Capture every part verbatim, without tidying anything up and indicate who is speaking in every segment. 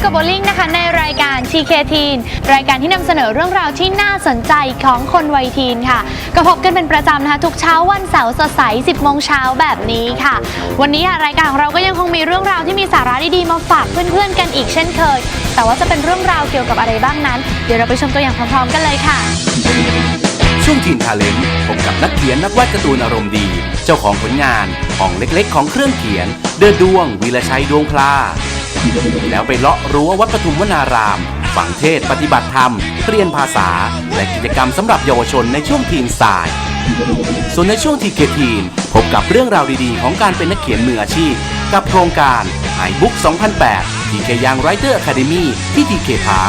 Speaker 1: กับโบลิ่งนะคะในรายการ ที เค Teen รายการที่นำเสนอเรื่องราวที่น่าสนใจของคนวัยทีนค่ะก็พบกันเป็นประจำนะคะทุกเช้าวันเสาร์สดใส สิบโมงเช้าแบบนี้ค่ะวันนี้รายการของเราก็ยังคงมีเรื่องราวที่มีสาระดีๆมาฝากเพื่อนๆกันอีกเช่นเคยแต่ว่าจะเป็นเรื่องราวเกี่ยวกับอะไรบ้างนั้นเดี๋ยวเราไปชมตัวอย่างพร้อมๆกันเลยค่ะ
Speaker 2: ช่วงทีนทาเลนต์พบกับนักเขียนนักวาดการ์ตูนอารมณ์ดีเจ้าของผลงานห้องเล็กๆของเครื่องเขียนเดินดวงวีรชัยดวงพลาแล้วไปเลาะรั้ววัดปทุมวนารามฝังเทศปฏิบัติธรรมเรียนภาษาและกิจกรรมสำหรับเยาวชนในช่วงทีนสายส่วนในช่วงทีเคทีนพบกับเรื่องราวดีๆของการเป็นนักเขียนมืออาชีพกับโครงการไอบุ๊กสองพันแปด ที เค Young Writer Academy ที่ ที เค Park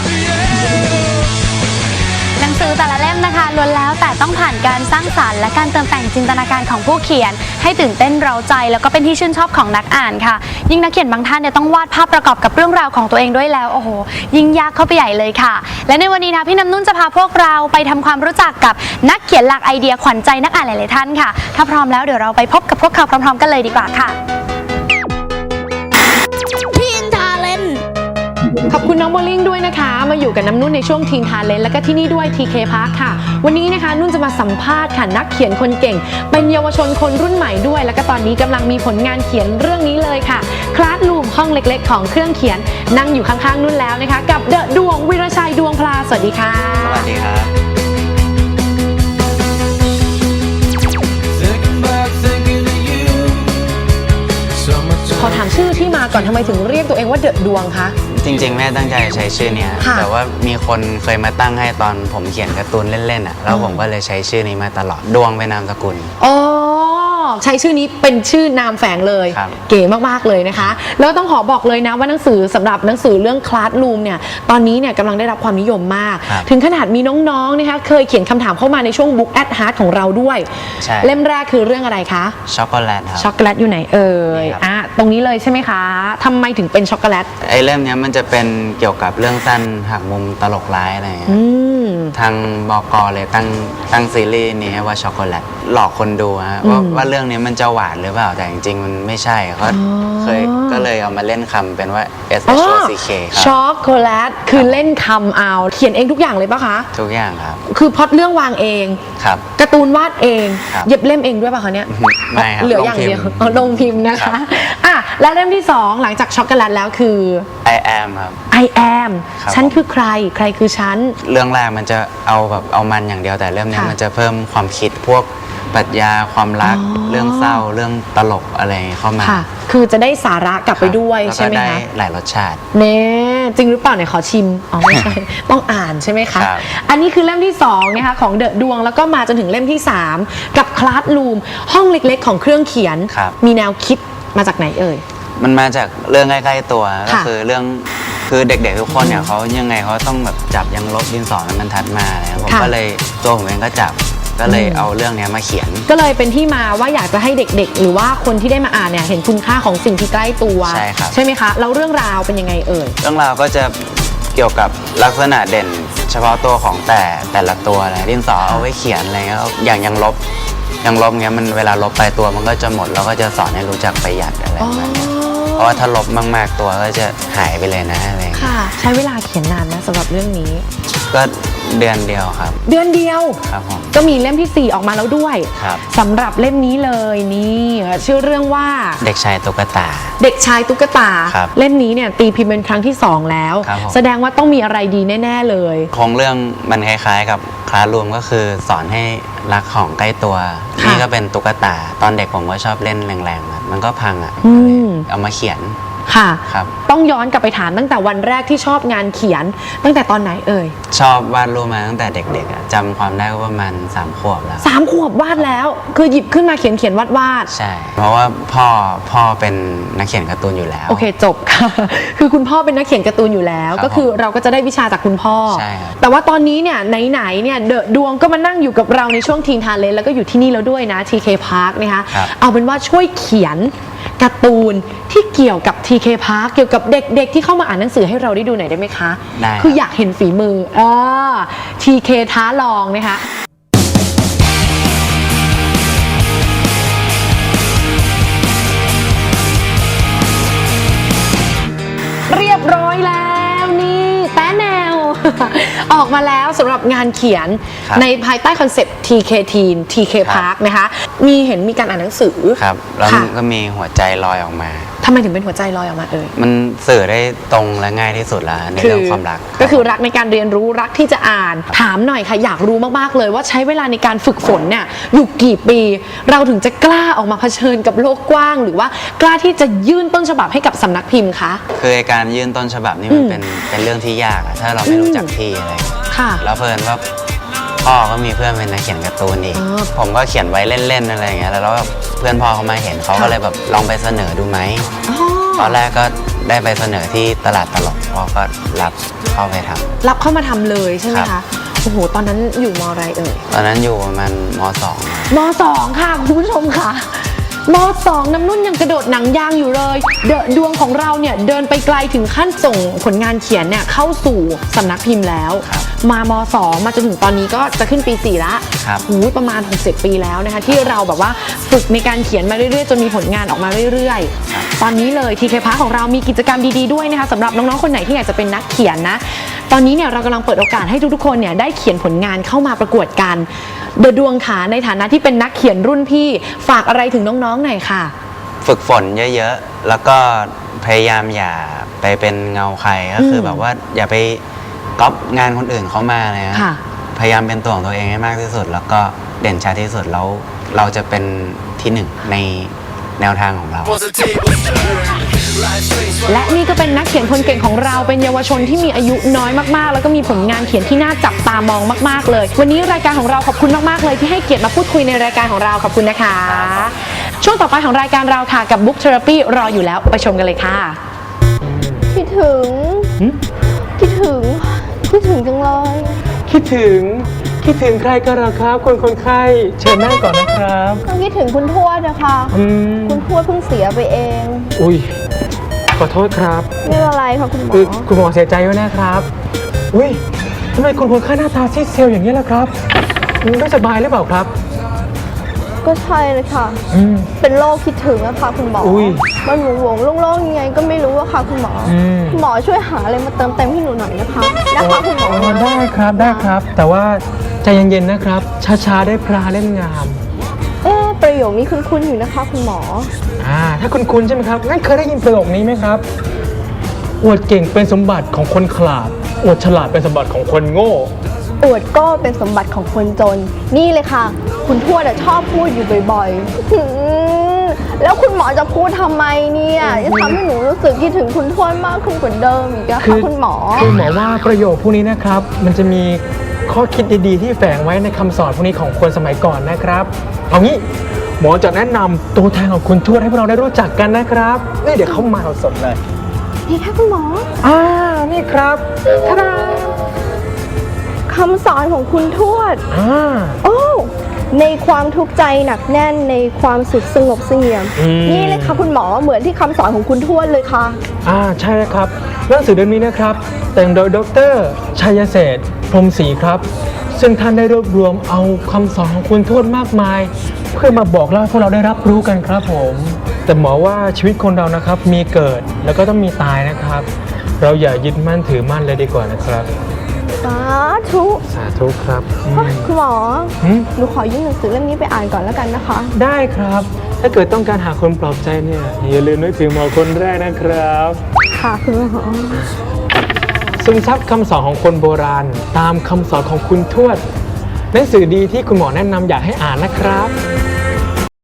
Speaker 1: หนังสือแต่ละเล่มนะคะล้วนแล้วแต่ต้องผ่านการสร้างสรรค์และการเติมแต่งจินตนาการของผู้เขียนให้ตื่นเต้นเร้าใจแล้วก็เป็นที่ชื่นชอบของนักอ่านค่ะยิ่งนักเขียนบางท่านเนี่ยต้องวาดภาพประกอบกับเรื่องราวของตัวเองด้วยแล้วโอ้โหยิ่งยากเข้าไปใหญ่เลยค่ะและในวันนี้นะพี่น้ำนุ่นจะพาพวกเราไปทำความรู้จักกับนักเขียนหลักไอเดียขวัญใจนักอ่านหลายๆท่านค่ะถ้าพร้อมแล้วเดี๋ยวเราไปพบกับพวกเขาพร้อมๆกันเลยดีกว่าค่ะ
Speaker 3: ขอบคุณน้องโบลิ่งด้วยนะคะมาอยู่กับน้ำนุ่นในช่วงทีนทาเลนต์และก็ที่นี่ด้วย ที เค Park ค่ะวันนี้นะคะนุ่นจะมาสัมภาษณ์ค่ะนักเขียนคนเก่งเป็นเยาวชนคนรุ่นใหม่ด้วยแล้วก็ตอนนี้กำลังมีผลงานเขียนเรื่องนี้เลยค่ะคลาสรูมห้องเล็กๆของเครื่องเขียนนั่งอยู่ข้างๆนุ่นแล้วนะคะกับเดอะดวงวีรชัยดวงพลาสวัสดีค่ะ
Speaker 4: สวัสดีครับ
Speaker 3: ขอถามชื่อที่มาก่อนทำไมถึงเรียกตัวเองว่าเดอะดวงคะ
Speaker 4: จริงๆแม่ตั้งใจใช้ชื่อนี้แต่ว่ามีคนเคยมาตั้งให้ตอนผมเขียนการ์ตูนเล่นๆอ่ะแล้วผมก็เลยใช้ชื่อนี้มาตลอดดวงเป็นนามสกุล
Speaker 3: อ๋อใช้ชื่อนี้เป็นชื่อนามแฝงเลยเก๋มากๆเลยนะคะแล้วต้องขอบอกเลยนะว่าหนังสือสำหรับหนังสือเรื่องคลาสรูมเนี่ยตอนนี้เนี่ยกำลังได้รับความนิยมมากถึงขนาดมีน้องๆนะคะเคยเขียนคำถามเข้ามาในช่วง Book at Heart ของเราด้วยเล่มแรกคือเรื่องอะไรคะ
Speaker 4: ช็อกโกแลตครับ
Speaker 3: ช็อกโกแลตอยู่ไหนเอ่ยอ่ะตรงนี้เลยใช่ไหมคะทำไมถึงเป็นช็อกโกแลต
Speaker 4: ไอ้เล่มนี้มันจะเป็นเกี่ยวกับเรื่องสั้นหักมุมตลกร้ายอะไรอย่างเงี้ยทางบก.เลยตั้งตั้งซีรีส์นี้ให้ว่าช็อกโกแลตหลอกคนดูฮะว่าว่าเรื่องนี้มันจะหวานหรือเปล่าแต่จริงๆมันไม่ใช่เขาเคยก็เลยเอามาเล่นคำเป็นว่า S H O C K ครับ
Speaker 3: ช็อกโกแลตคือเล่นคำเอาเขียนเองทุกอย่างเลยปะคะ
Speaker 4: ทุกอย่างครับ
Speaker 3: คือพล็อตเรื่องวางเอง
Speaker 4: ครับ
Speaker 3: การ์ตูนวาดเองเย็บเล่มเองด้วยปะคะเนี่ย
Speaker 4: ไม่ครับ
Speaker 3: เหลืออย่างเดียวลงพิมพ์นะคะอ่ะและเล่มที่สองหลังจากช็อกโกแลตแล้วคือ
Speaker 4: I am ครับ
Speaker 3: I am ฉันคือใครใครคือฉัน
Speaker 4: เรื่องแรกมันจะเอาแบบเอามันอย่างเดียวแต่เรื่องนี้มันจะเพิ่มความคิดพวกปรัชญาความรักเรื่องเศร้าเรื่องตลกอะไรเข้ามา
Speaker 3: คือจะได้สาระกลับไปด้วยใช่ไหมคะ
Speaker 4: หลายรสชาติ
Speaker 3: เน่จริงหรือเปล่าเนี่ยขอชิมอ๋อไม่ใช่ต้องอ่านใช่ไหมคะอันนี้คือเล่มที่สองนะคะของเดอะดวงแล้วก็มาจนถึงเล่มที่สามกับคลาสรูมห้องเล็กๆของเครื่องเขียนมีแนวคิดมาจากไหนเอ่ย
Speaker 4: มันมาจากเรื่องใกล้ๆตัวก็คือเรื่องคือเด็กๆทุกคนเนี่ยเขายังไงเขาต้องแบบจับยังลบดินสอมันบรรทัดมาเลยผมก็เลยตัวผมเองก็จับก็เลยเอาเรื่องนี้มาเขียน
Speaker 3: ก็เลยเป็นที่มาว่าอยากจะให้เด็กๆหรือว่าคนที่ได้มาอ่านเนี่ยเห็นคุณค่าของสิ่งที่ใกล้ตัว
Speaker 4: ใช่ครับ
Speaker 3: ใช่ไหมคะแล้วเรื่องราวเป็นยังไงเอ่ย
Speaker 4: เรื่องราวก็จะเกี่ยวกับลักษณะเด่นเฉพาะตัวของแต่แต่ละตัวเลยดินสอเอาไว้เขียนอะไรเงี้ยอย่างยังลบยังลบเงี้ยมันเวลาลบไปตัวมันก็จะหมดเราก็จะสอนให้รู้จักประหยัดอะไรแบบนี้เพราะว่าถ้าลบมากๆตัวก็จะหายไปเลยนะอะไร
Speaker 3: ค่ะใช้เวลาเขียนนานนะสำหรับเรื่องนี้
Speaker 4: ก็เดือนเดียวครับ
Speaker 3: เดือนเดียว
Speaker 4: ครับผม
Speaker 3: ก็มีเล่มที่สี่ออกมาแล้วด้วย
Speaker 4: ครับ
Speaker 3: สำหรับเล่มนี้เลยนี่ชื่อเรื่องว่า
Speaker 4: เด็กชายตุ๊กตา
Speaker 3: เด็กชายตุ๊กตาเล่มนี้เนี่ยตีพิมพ์เป็นครั้งที่สองแล้วแสดงว่าต้องมีอะไรดีแน่ๆเลย
Speaker 4: โครงเรื่องมันคล้ายๆกับคลาสรูมก็คือสอนให้รักของใกล้ตัวนี่ก็เป็นตุ๊กตาตอนเด็กผมก็ชอบเล่นแรงๆมันก็พังอ่ะเอามาเขียน
Speaker 3: ค่ะต้องย้อนกลับไปถามตั้งแต่วันแรกที่ชอบงานเขียนตั้งแต่ตอนไหนเอ่ย
Speaker 4: ชอบวาดรูปมาตั้งแต่เด็กๆจำความได้ว่าประมาณสามขวบแล้ว
Speaker 3: สามขวบวาดแล้วคือหยิบขึ้นมาเขียนเขียนวาดวาด
Speaker 4: ใช่เพราะว่าพ่อพ่อเป็นนักเขียนการ์ตูนอยู่แล้ว
Speaker 3: โอเคจบค่ะคือคุณพ่อเป็นนักเขียนการ์ตูนอยู่แล้วก็คือเราก็จะได้วิชาจากคุณพ่อ
Speaker 4: ใช่
Speaker 3: แต่ว่าตอนนี้เนี่ยไหนๆเนี่ยเดอะดวงก็มานั่งอยู่กับเราในช่วงทีนทาเลนต์แล้วก็อยู่ที่นี่แล้วด้วยนะ ที เค Park นะคะเอาเป็นว่าช่วยเขียนการ์ตูนที่เกี่ยวกับ ที เค Park เกี่ยวกับเด็กๆที่เข้ามาอ่านหนังสือให้เราได้ดูหน่อยได้ไหมคะ
Speaker 4: ได้
Speaker 3: คืออยากเห็นฝีมืออ่า ที เค ท้าลองนะคะเรียบร้อยแล้วออกมาแล้วสำหรับงานเขียน
Speaker 4: ครับ
Speaker 3: ในภายใต้คอนเซปต์ ที เค Teen ที เค Park นะคะ มีเห็นมีการอ่านหนังสือ
Speaker 4: ครับแล้ว
Speaker 3: ค่ะ
Speaker 4: มันก็มีหัวใจลอยออกมา
Speaker 3: ทำไมถึงเป็นหัวใจลอยออกมาเอ่ย
Speaker 4: มันสื่อได้ตรงและง่ายที่สุดแล้วในเรื่องความรัก
Speaker 3: ก็คือรักในการเรียนรู้รักที่จะอ่าน ถามหน่อยค่ะอยากรู้มากๆเลยว่าใช้เวลาในการฝึกฝนเนี่ยอยู่กี่ปี เราถึงจะกล้าออกมาเผชิญกับโลกกว้าง หรือว่ากล้าที่จะยื่นต้นฉบับให้กับสำนักพิมพ์คะ
Speaker 4: คือไอ้การยื่นต้นฉบับนี่มันเป็นเป็นเรื่องที่ยากอะถ้าเราไม่รู้จักที่อะไรอย่างเงี้ย
Speaker 3: ค่ะ
Speaker 4: แล้วเพิ่นว่าพ่อก็มีเพื่อนเป็นนักเขียนการ์ตูนอีก
Speaker 3: อ๋อ
Speaker 4: ผมก็เขียนไว้เล่นๆอะไรอย่างเงี้ยแล้วแบบเพื่อนพ่อเขามาเห็นเขาก็เลยแบบลองไปเสนอดูไหม
Speaker 3: อ๋อ
Speaker 4: ตอนแรกก็ได้ไปเสนอที่ตลาดตลกพ่อก็รับเข้าไปทำ
Speaker 3: รับเข้ามาทำเลยใช่ไหม
Speaker 4: ครั
Speaker 3: คะ
Speaker 4: บ
Speaker 3: โอ้โหตอนนั้นอยู่มอะไรเอ่ย
Speaker 4: ตอนนั้นอยู่ประมาณมสอง
Speaker 3: มสองค่ะคุณผู้ชมค่ะมสองน้ำนุ่นยังกระโดดหนังยางอยู่เลยเดอะดวงของเราเนี่ยเดินไปไกลถึงขั้นส่งผลงานเขียนเนี่ยเข้าสู่สำนักพิมพ์แล้ว
Speaker 4: ครับ
Speaker 3: มามสองมาจนถึงตอนนี้ก็จะขึ้นปีสี่ละ
Speaker 4: ครับ
Speaker 3: หูยประมาณหกสิบปีแล้วนะคะที่เราแบบว่าฝึกในการเขียนมาเรื่อยๆจนมีผลงานออกมาเรื่อยๆ ตอนนี้เลย ที เค Park ของเรามีกิจกรรมดีๆด้วยนะคะสำหรับน้องๆคนไหนที่อยากจะเป็นนักเขียนนะตอนนี้เนี่ยเรากำลังเปิดโอกาสให้ทุกๆคนเนี่ยได้เขียนผลงานเข้ามาประกวดกันเดอะดวงขาในฐานะที่เป็นนักเขียนรุ่นพี่ฝากอะไรถึงน้องๆหน่อยค่ะ
Speaker 4: ฝึกฝนเยอะๆ แล้วก็พยายามอย่าไปเป็นเงาใครก็คือแบบว่าอย่าไปก๊อปงานคนอื่นเขามาเลยนะ
Speaker 3: ค่ะ
Speaker 4: พยายามเป็นตัวของตัวเองให้มากที่สุด แล้วก็เด่นชัดที่สุดแล้วเราจะเป็นที่หนึ่งในแนวทางของเรา
Speaker 3: และนี่ก็เป็นนักเขียนคนเก่งของเราเป็นเยาวชนที่มีอายุน้อยมากๆ แล้วก็มีผลงานเขียนที่น่าจับตามองมากๆเลย วันนี้รายการของเราขอบคุณมากๆเลยที่ให้เกียรติมาพูดคุยในรายการของเราขอบคุณนะคะ ช่วงต่อไปของรายการเราค่ะกับ Book Therapy รออยู่แล้วไปชมกันเลยค่ะ
Speaker 5: คิดถึง คิดถึง คิดถึงจังเลย
Speaker 6: คิดถึงคิดถึงใครกันเหรอครับคนคนไข้เชิญนั่งก่อนนะครับ
Speaker 5: ก็คิดถึงคุณทวดนะคะ
Speaker 6: อืม
Speaker 5: คุณทวดเพิ่งเสียไปเอง
Speaker 6: อุ้ยขอโทษครับ
Speaker 5: ไม่เป็นไรค่ะคุณหมอ
Speaker 6: คือคุณหมอเสียใจด้วยนะครับอุ้ยทำไมคนคนไข้หน้าตาซีดเซลอย่างนี้ล่ะครับไม่สบายหรือเปล่าครับ
Speaker 5: ก็ใช่เลยค่ะ
Speaker 6: อืม
Speaker 5: เป็นโรคคิดถึงอะค่ะคุณหมออย มันหวงหวงๆโล่งๆยังไงก็ไม่รู้อะค่ะคุณหมออ
Speaker 6: ม
Speaker 5: คุณหมอช่วยหาอะไรมาเติมเต็มให้หนูหน่อยนะคะ นะคะคุณหมอ
Speaker 6: อ๋อได้ครับได้ครับ แต่ว่าใจเย็นๆนะครับ ช้าๆได้พลาเล่นงาม
Speaker 5: เอ๊ะประโยคนี้คุ้นๆอยู่นะคะ คุณหมอ
Speaker 6: อ่าถ้าคุณคุ้นๆใช่ไหมครับงั้นเคยได้ยินประโยคนี้ไหมครับอวดเก่งเป็นสมบัติของคนขลาดอวดฉลาดเป็นสมบัติของคนโง่
Speaker 5: อวดก็เป็นสมบัติของคนจน นี่เลยค่ะ คุณทวดอะชอบพูดอยู่บ่อยๆหืมแล้วคุณหมอจะพูดทำไมเนี่ยจะทำให้หนูรู้สึกคิดถึงคุณทวดมากขึ้นกว่าเดิมอีกอะค่ะคุณหมอ
Speaker 6: คือหมอว่าประโยคพวกนี้นะครับ มันจะมีข้อคิดดีๆ ที่แฝงไว้ในคำสอนพวกนี้ของคนสมัยก่อนนะครับ เอางี้หมอจะแนะนำตัวแทนของคุณทวดให้พวกเราได้รู้จักกันนะครับนี่เดี๋ยวเข้ามาสดๆเลย
Speaker 5: นี่ค่ะคุณหมอ
Speaker 6: อ่านี่ครับทาดา
Speaker 5: คำสอนของคุณทวด
Speaker 6: อ่า
Speaker 5: โอ้ในความทุกข์ใจหนักแน่นในความสุขสงบเสงี่ยม
Speaker 6: อืม
Speaker 5: นี่เลยค่ะคุณหมอเหมือนที่คำสอนของคุณทวดเลยค่ะ
Speaker 6: อ่าใช่แล้วครับหนังสือเล่มนี้นะครับ แต่งโดยดรชัยเศรษฐ์พรหมศรีครับ ซึ่งท่านได้รวบรวมเอาคำสอนของคุณทวดมากมาย เพื่อมาบอกเล่าให้พวกเราได้รับรู้กันครับผม แต่หมอว่าชีวิตคนเรานะครับมีเกิดแล้วก็ต้องมีตายนะครับ เราอย่ายึดมั่นถือมั่นเลยดีกว่านะครับ
Speaker 5: สาธุ
Speaker 6: สาธุครับอืม
Speaker 5: คุณหมอ
Speaker 6: หืม
Speaker 5: หนูขอยื่นหนังสือเล่มนี้ไปอ่านก่อนแล้วกันนะคะ
Speaker 6: ได้ครับ ถ้าเกิดต้องการหาคนปลอบใจเนี่ยอย่าลืมนึกถึงหมอคนแรกนะครับ
Speaker 5: ค่ะคุณหมอ
Speaker 6: ซึมซับคำสอนของคนโบราณ ตามคำสอนของคุณทวดหนังสือดีที่คุณหมอแนะนำอยากให้อ่านนะครับ